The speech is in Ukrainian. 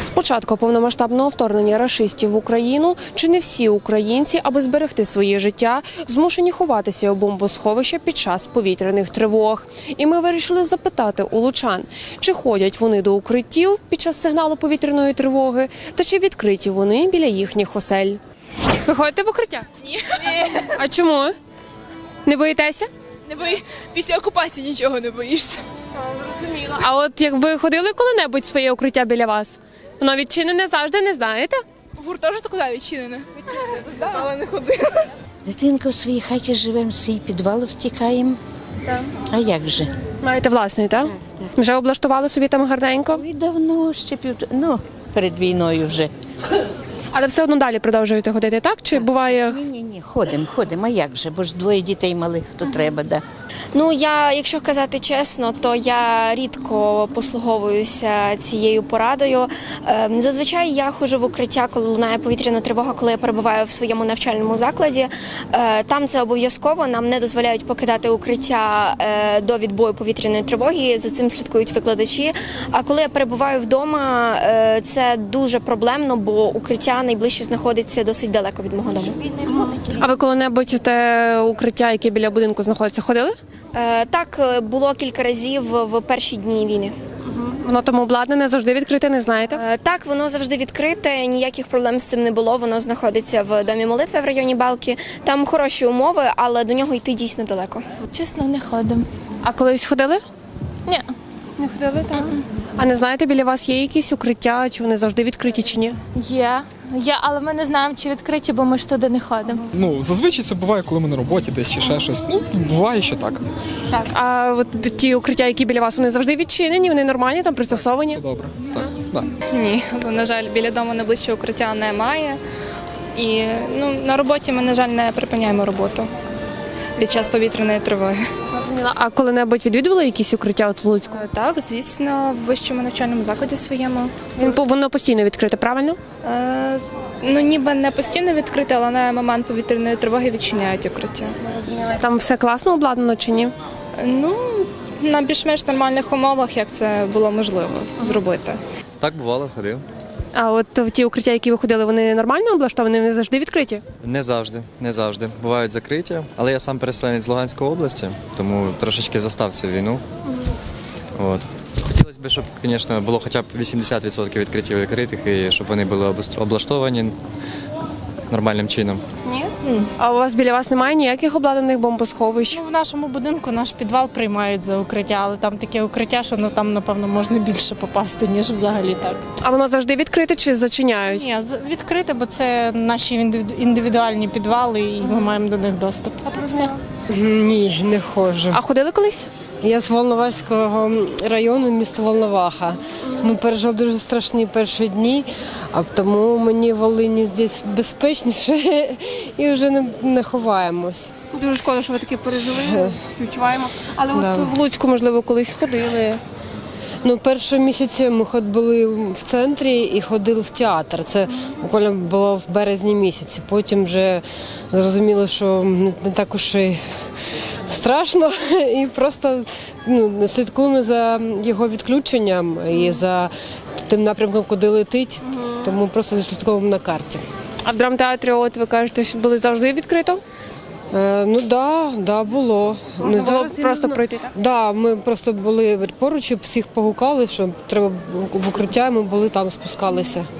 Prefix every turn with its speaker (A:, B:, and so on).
A: З початку повномасштабного вторгнення рашистів в Україну чи не всі українці, аби зберегти своє життя, змушені ховатися у бомбосховища під час повітряних тривог. І ми вирішили запитати у лучан, чи ходять вони до укриттів під час сигналу повітряної тривоги, та чи відкриті вони біля їхніх осель. Ви ходите в укриття?
B: Ні.
A: А чому? Не боїтеся?
B: Не бої. Після окупації нічого не боїшся.
A: А от як ви ходили коли-небудь в своє укриття біля вас? Воно відчинене завжди, не знаєте?
B: В гуртожитку куди відчинене? Відчинене, але не ходила.
C: Дитинка в своїй хаті живемо, в свій підвал втікаємо.
B: Так.
C: А як же?
A: Маєте власний, так? Вже облаштували собі там гарненько?
C: І давно, ще перед війною вже.
A: Але все одно далі продовжуєте ходити, так? Чи буває...
C: Ні, ходимо, а як же? Бо ж двоє дітей малих, то треба, да.
D: Ну, якщо казати чесно, то я рідко послуговуюся цією порадою. Зазвичай я ходжу в укриття, коли лунає повітряна тривога, коли я перебуваю в своєму навчальному закладі. Там це обов'язково, нам не дозволяють покидати укриття до відбою повітряної тривоги, за цим слідкують викладачі. А коли я перебуваю вдома, це дуже проблемно, бо укриття найближче знаходиться досить далеко від мого дому.
A: А ви коли-небудь в те укриття, яке біля будинку знаходиться, ходили?
D: Так, було кілька разів в перші дні війни.
A: Воно там обладнане, завжди відкрите, не знаєте?
D: Так, воно завжди відкрите, ніяких проблем з цим не було. Воно знаходиться в Домі молитви в районі Балки. Там хороші умови, але до нього йти дійсно далеко.
E: Чесно, не ходимо.
A: А колись ходили?
E: Ні.
A: Не ходили, так. А не знаєте, біля вас є якісь укриття, чи вони завжди відкриті, чи ні?
E: Є, але ми не знаємо, чи відкриті, бо ми ж туди не ходимо.
F: Ну, зазвичай це буває, коли ми на роботі десь чи ще щось. Ну, буває, що так.
A: Так. А от ті укриття, які біля вас, вони завжди відчинені, вони нормальні, там пристосовані?
F: Все добре. Так, да.
G: Ні, бо, на жаль, біля дому найближчого укриття немає. І на роботі ми, на жаль, не припиняємо роботу під час повітряної тривоги.
A: А коли-небудь відвідували якісь укриття от в Луцьку?
G: Так, звісно, в вищому навчальному закладі своєму.
A: Воно постійно відкрите, правильно?
G: Ніби не постійно відкрите, але на момент повітряної тривоги відчиняють укриття.
A: Там все класно обладнано чи ні?
G: На більш-менш нормальних умовах, як це було можливо зробити.
H: Так, бувало, ходив.
A: А от ті укриття, які ви ходили, вони нормально облаштовані, вони завжди відкриті?
H: Не завжди. Бувають закриті, але я сам переселенець з Луганської області, тому трошечки застав цю війну. От. Хотілося б, щоб, звісно, було хоча б 80% відкриттів відкритих і щоб вони були облаштовані нормальним чином.
A: А у вас біля вас немає ніяких обладнаних бомбосховищ?
I: В нашому будинку наш підвал приймають за укриття, але там таке укриття, що там, напевно, можна більше попасти, ніж взагалі так.
A: А воно завжди відкрите чи зачиняють?
I: Ні, відкрите, бо це наші індивідуальні підвали, і ми маємо до них доступ. А то все.
J: Ні, не ходжу.
A: А ходили колись?
J: Я з Волноваського району, місто Волноваха. Ми пережили дуже страшні перші дні, а тому мені в Волині здесь безпечніше і вже не ховаємось.
A: Дуже шкода, що ви таке пережили, співчуваємо. Але
J: Да.
A: от в Луцьку, можливо, колись ходили.
J: Перші місяці ми були в центрі і ходили в театр. Це буквально було в березні місяці. Потім вже зрозуміло, що не так уж і страшно, і просто слідкуємо за його відключенням і за тим напрямком, куди летить, тому просто відслідковуємо на карті.
A: А в драмтеатрі, от ви кажете, що були завжди відкрито?
J: Да, було.
A: Можна було просто пройти, так?
J: Да, ми просто були поруч і всіх погукали, що треба в укриття, ми були там, спускалися.